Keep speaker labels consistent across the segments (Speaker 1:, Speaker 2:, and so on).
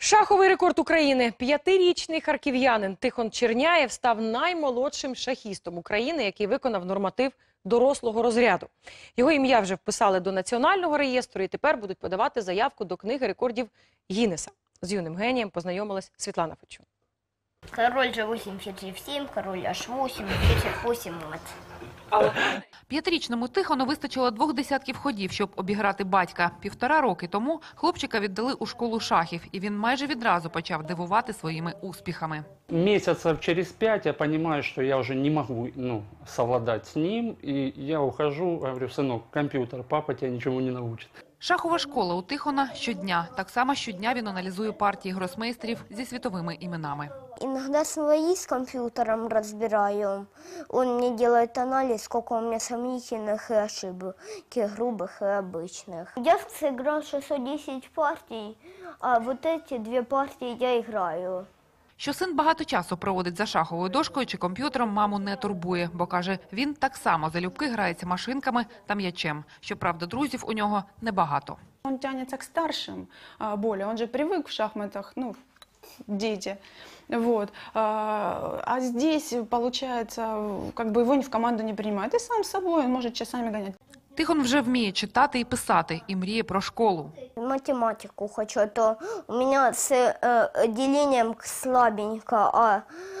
Speaker 1: Шаховий рекорд України. 5-річний харків'янин Тихон Черняєв став наймолодшим шахістом України, який виконав норматив дорослого розряду. Його ім'я вже вписали до Національного реєстру і тепер будуть подавати заявку до книги рекордів Гіннеса. З юним генієм познайомилась Світлана Фечун.
Speaker 2: Король G8, ферзь F7, король H8, ферзь F8, мат.
Speaker 3: П'ятирічному Тихону вистачило 2 десятків ходів, щоб обіграти батька. 1,5 роки тому хлопчика віддали у школу шахів, і він майже відразу почав дивувати своїми успіхами.
Speaker 4: Месяцев через 5 я понимаю, что я уже не могу совладать с ним, и я ухожу, говорю: сынок, компьютер, папа тебя ничему не научит.
Speaker 3: Шахова школа у Тихона щодня. Так само щодня він аналізує партії гросмейстерів зі світовими іменами.
Speaker 2: Иногда свои с компьютером разбираю. Он мне делает анализ, сколько у меня сомнительных и ошибок, грубых и обычных. Я сыграл 610 партий, а вот эти 2 партии я играю.
Speaker 3: Що син багато часу проводить за шаховою дошкою чи комп'ютером, маму не турбує, бо, каже, він так само залюбки грається машинками та м'ячем. Щоправда, друзів у нього небагато.
Speaker 5: Он тянется к старшим более, он же привык в шахматах, дети. Вот. А здесь, получается, как бы его ни в команду не принимают. И сам с собой он может часами гонять.
Speaker 3: Тихон вже вміє читати і писати, і мріє про школу.
Speaker 2: Математику хочу, а то у меня с делением слабенько, а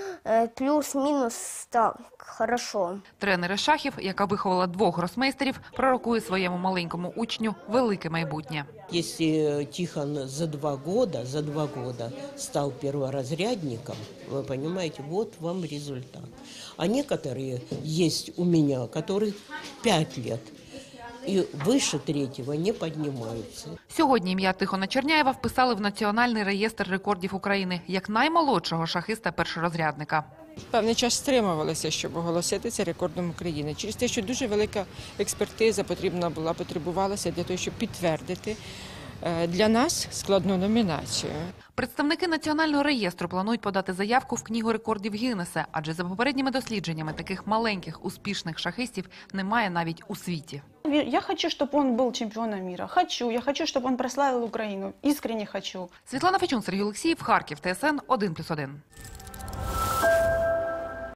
Speaker 2: плюс-минус так, хорошо.
Speaker 3: Тренер із шахів, яка виховала 2 гросмейстерів, пророкує своєму маленькому учню велике майбутнє.
Speaker 6: Если Тихон за 2 года стал перворазрядником, вы понимаете, вот вам результат. А некоторые есть у меня, которые 5 лет. І вище 3-го не піднімаються.
Speaker 3: Сьогодні ім'я Тихона Черняєва вписали в Національний реєстр рекордів України як наймолодшого шахиста-першорозрядника.
Speaker 7: Певний час стримувалися, щоб оголосити це рекордом України. Через те, що дуже велика експертиза потребувалася для того, щоб підтвердити для нас складну номінацію.
Speaker 3: Представники Національного реєстру планують подати заявку в книгу рекордів Гіннеса, адже за попередніми дослідженнями таких маленьких успішних шахистів немає навіть у світі.
Speaker 5: Я хочу, чтобы он был чемпионом мира. Я хочу, чтобы он прославил Украину. Искренне хочу.
Speaker 3: Світлана Фечун, Сергій Олексіїв, Харків, ТСН 1+1.